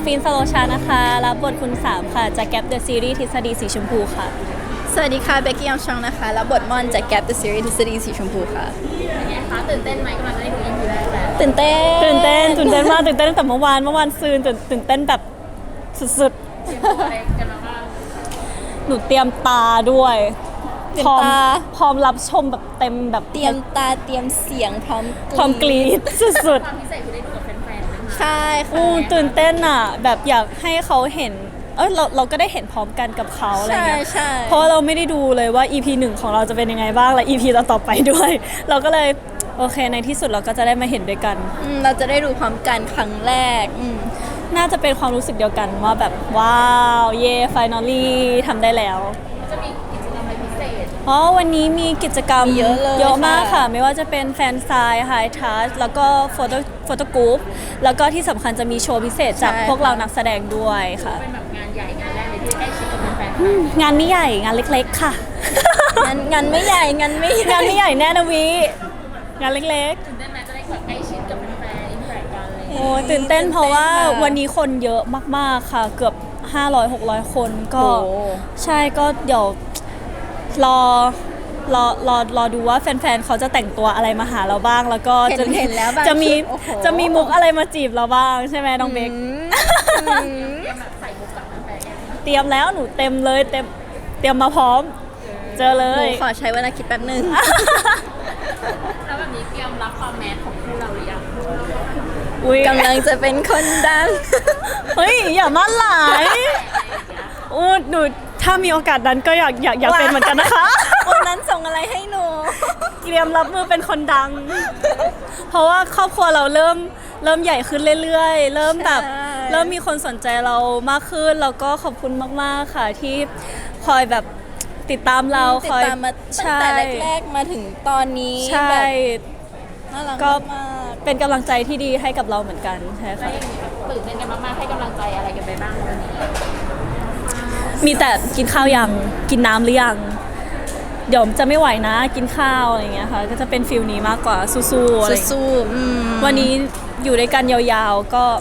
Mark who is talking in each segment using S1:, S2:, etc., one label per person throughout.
S1: ฟินสโลชานะคะรับบทคุณ3ค่ะจากแก๊ปเดอะซีรีส์ทฤษฎีสีชมพูค่ะ
S2: สวัสดีค่ะเบกกี้ยองชองนะคะรับบทม่อนจากแก๊ป The Series ทฤษฎีสีชมพูค่ะ
S3: เป็นไงคะตื่นเต้นไหมกำลังจะได้ดู EP แรกแล้ว
S2: ตื่นเต้น
S1: มากตื่นเต้นตั้งแต่เมื่อวานซืนตื่นเต้นแบบสุด
S3: อะไรกันมาบ้าง
S1: ๆหนูเตรียมตาด้วยพร้อมรับชมแบบเต็มแบบ
S2: เตรียมตาเตรียมเสียงพร้อม
S1: กรี๊ดสุด
S3: ความพิเศษคือได้ดูกับแฟนๆนะคะ
S2: ใช่ค่ะ
S1: ตื่นเต้นอ่ะแบบอยากให้เขาเห็นเราก็ได้เห็นพร้อมกันกับเขาอะไรเงี้ย
S2: ใช่
S1: เพราะเราไม่ได้ดูเลยว่า EP 1ของเราจะเป็นยังไงบ้างและ EP ต่อไปด้วยเราก็เลยโอเคในที่สุดเราก็จะได้มาเห็นด้วยกัน
S2: เราจะได้ดูพร้อมกันครั้งแรก
S1: น่าจะเป็นความรู้สึกเดียวกันว่าแบบว้าวเย่ finally ทำได้แล้ว
S3: จะมีกิจกรรมอะไรพิเศษ
S1: วันนี้มีกิจกรรม
S2: เยอะ
S1: มากค่ะไม่ว่าจะเป็นแฟนไซน์ไฮทัชแล้วก็โฟโต้กรุ๊ปแล้วก็ที่สำคัญจะมีโชว์พิเศษจากพวกเรานักแสดงด้วยค่ะ
S3: เป็นแบบงานใหญ่งานแรกเลยที่ได้ชิดกับแฟน
S1: งานไม่ใหญ่งานเล็กๆค่ะ
S2: งานไม่ใหญ่งานไม่ใหญ่
S1: แน่นะวีงานเล็ก
S3: ๆตื่นเต้นไหมจะได้แบบใกล้ชิดกับแฟนๆอินเตอร์แอคกันเลย
S1: โอ้ตื่นเต้นเพราะว่าวันนี้คนเยอะมากๆค่ะเกือบ500-600 คนก็ใช่ก็เดี๋ยวรอดูว่าแฟนๆเขาจะแต่งตัวอะไรมาหาเราบ้างแล้วก็
S2: เห็นแล้ว
S1: จะมีมุกอะไรมาจีบเราบ้างใช่ไหมน้องเบค
S3: แบบใส่มุกกับแฟนๆ
S1: เตรียมแล้วหนูเต็มเลยเตรียมมาพร้อมเจอเลย
S2: ขอใช้เวลาคิดแป๊บนึง
S3: แล้วแบบนี้เตรียมรับความแมสของคู่เราหรือยัง
S2: กำลังจะเป็นคนดัง
S1: เฮ้ยอย่ามั่นหลายหนูถ้ามีโอกาสนั้นก็อยากเป็นเหมือนกันนะคะ
S2: วันนั้นส่งอะไรให้หนู
S1: เตรียมรับมือเป็นคนดังเพราะว่าครอบครัวเราเริ่มใหญ่ขึ้นเรื่อยๆเริ่มมีคนสนใจเรามากขึ้นแล้วก็ขอบคุณมากๆค่ะที่คอยแบบติดตามเรา
S2: ติดตามมาตั้งแต่แรกๆมาถึงตอนนี้
S1: ใช่
S2: น่ารัก
S1: ก็
S2: มาก
S1: เป็นกำลังใจที่ดีให้กับเราเหมือนกันใช่ค่ะ
S3: ตื่นเต้นกันมากๆให้กำลังใจอะไรกันไปบ้างวันนี้
S1: มีแต่กินข้าวยังกินน้ำหรือยังเดี๋ยวจะไม่ไหวนะกินข้าวอะไรเงี้ยค่ะก็จะเป็นฟิลนี้มากกว่าสู้ๆอะไรวันนี้อยู่ด้วยกันยาวๆก็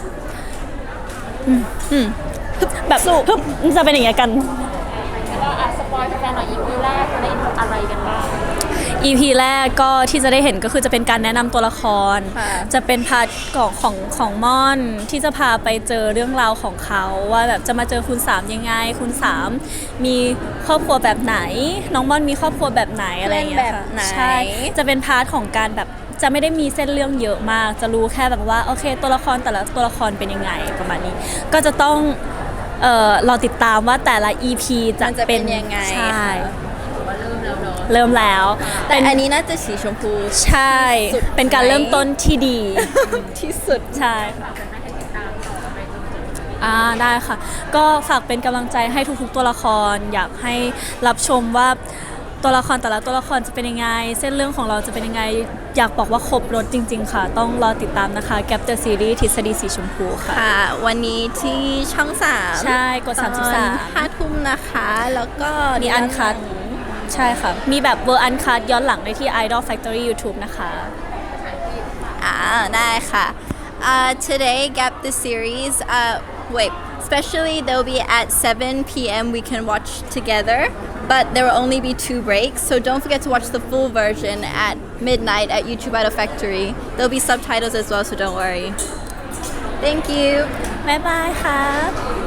S1: แบบจะเป็นอย่างเงี้ยกัน
S3: ก็สปอยล์แฟนๆหน่อย EP แรกได้อะไรกันบ้าง
S1: EP แรกก็ที่จะได้เห็นก็คือจะเป็นการแนะนำตัวละครจะเป็นพาร์ทของม่อนที่จะพาไปเจอเรื่องราวของเขาว่าแบบจะมาเจอคุณ3ยังไงคุณ3มีครอบครัวแบบไหนน้องม่อนมีครอบครัวแบบไหนอะไรอย่างเงี้ยค่ะใช่จะเป็นพาร์ทของการแบบจะไม่ได้มีเส้นเรื่องเยอะมากจะรู้แค่แบบว่าโอเคตัวละครแต่ละตัวละครเป็นยังไงประมาณนี้ก็จะต้องเราติดตามว่าแต่ละ EP จะเป็น
S2: ยังไง
S1: ใช่
S3: เริ่ม
S1: แล้ว
S2: แต่อันนี้น่าจะสีชมพู
S1: ใช่เป็นการเริ่มต้นที่ดี
S2: ที่สุด
S1: ใช่ได้ค่ะก็ฝากเป็นกำลังใจให้ทุกๆตัวละครอยากให้รับชมว่าตัวละครแต่ละตัวละครจะเป็นยังไงเส้นเรื่องของเราจะเป็นยังไงอยากบอกว่าครบรถจริงๆค่ะต้องรอติดตามนะคะแก๊ปเดอะซีรีส์ทฤษฎีสีชมพูค่ะ
S2: วันนี้ที่ช่อง3
S1: ใช่กด33
S2: 5 ทุ่มนะคะแล้วก็
S1: มีอันคัทใช่ค่ะมีแบบเวอร์อันคัทย้อนหลังได้ที่ Idol Factory YouTube นะคะ
S2: ได้ค่ะ today Gap the series wait especially they'll be at 7 p.m. we can watch together but there will only be 2 breaks so don't forget to watch the full version at midnight at YouTube Idol Factory there'll be subtitles as well so don't worry thank you
S1: บ๊ายบายค่ะ